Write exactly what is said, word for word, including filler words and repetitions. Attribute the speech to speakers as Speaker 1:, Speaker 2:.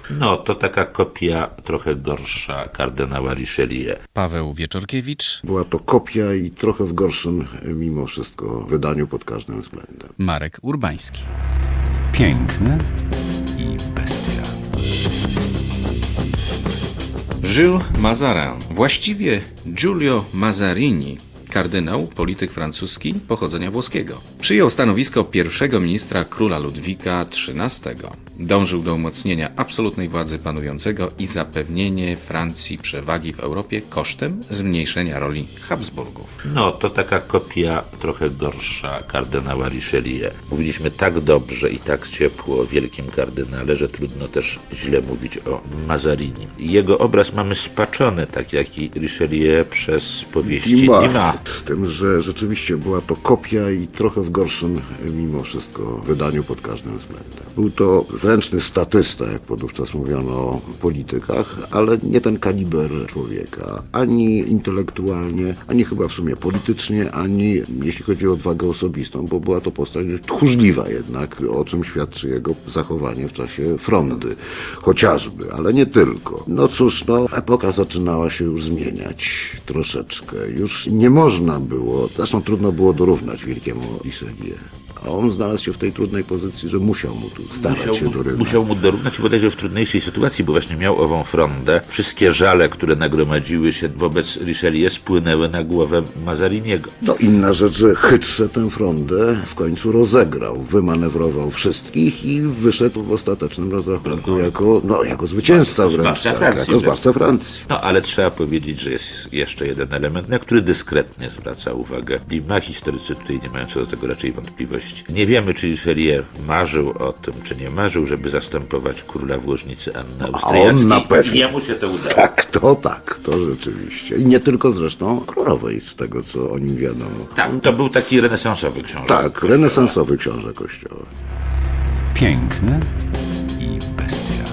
Speaker 1: No, to taka kopia trochę gorsza kardynała Richelieu.
Speaker 2: Paweł Wieczorkiewicz,
Speaker 3: Była to kopia i trochę w gorszym mimo wszystko wydaniu pod każdym względem.
Speaker 2: Marek Urbański.
Speaker 4: Piękne i bestia.
Speaker 5: Jules Mazarin, właściwie Giulio Mazarini, kardynał, polityk francuski pochodzenia włoskiego. Przyjął stanowisko pierwszego ministra króla Ludwika trzynastego. Dążył do umocnienia absolutnej władzy panującego i zapewnienie Francji przewagi w Europie kosztem zmniejszenia roli Habsburgów.
Speaker 1: No, to taka kopia trochę gorsza kardynała Richelieu. Mówiliśmy tak dobrze i tak ciepło o wielkim kardynale, że trudno też źle mówić o Mazarini. Jego obraz mamy spaczony, tak jak i Richelieu, przez powieści Dumas.
Speaker 3: Z tym, że rzeczywiście była to kopia i trochę w gorszym mimo wszystko wydaniu pod każdym względem. Był to zręczny statysta, jak podówczas mówiono o politykach, ale nie ten kaliber człowieka. Ani intelektualnie, ani chyba w sumie politycznie, ani jeśli chodzi o odwagę osobistą, bo była to postać tchórzliwa jednak, o czym świadczy jego zachowanie w czasie frondy. Chociażby, ale nie tylko. No cóż, no, epoka zaczynała się już zmieniać troszeczkę. Już nie można było, zresztą trudno było dorównać wielkiemu Richelieu. A on znalazł się w tej trudnej pozycji, że musiał mu tu starać
Speaker 1: Musiał
Speaker 3: się
Speaker 1: mu,
Speaker 3: dorównać.
Speaker 1: musiał mu dorównać i bodajże w trudniejszej sytuacji, bo właśnie miał ową frondę. Wszystkie żale, które nagromadziły się wobec Richelieu, spłynęły na głowę Mazariniego.
Speaker 3: No inna rzecz, że chytrze tę frondę w końcu rozegrał, wymanewrował wszystkich i wyszedł w ostatecznym rozrachunku jako, no, jako zwycięzca wręcz.
Speaker 1: Zbawca
Speaker 3: tak,
Speaker 1: Francji.
Speaker 3: Jako zbawca Francji.
Speaker 1: No, ale trzeba powiedzieć, że jest jeszcze jeden element, na który dyskretnie zwraca uwagę Dumas. Historycy tutaj nie mają co do tego raczej wątpliwości. Nie wiemy, czy Richelieu marzył o tym, czy nie marzył, żeby zastępować króla w Łożnicy Anny Austriackiej.
Speaker 3: on na pewno.
Speaker 1: I jemu się to udało.
Speaker 3: Tak, to tak, to rzeczywiście. I nie tylko zresztą królowej, z tego co o nim wiadomo.
Speaker 1: Tak, to był taki renesansowy książę.
Speaker 3: Tak,
Speaker 1: Kościoła.
Speaker 3: renesansowy książę Kościoła.
Speaker 4: Piękne i bestia.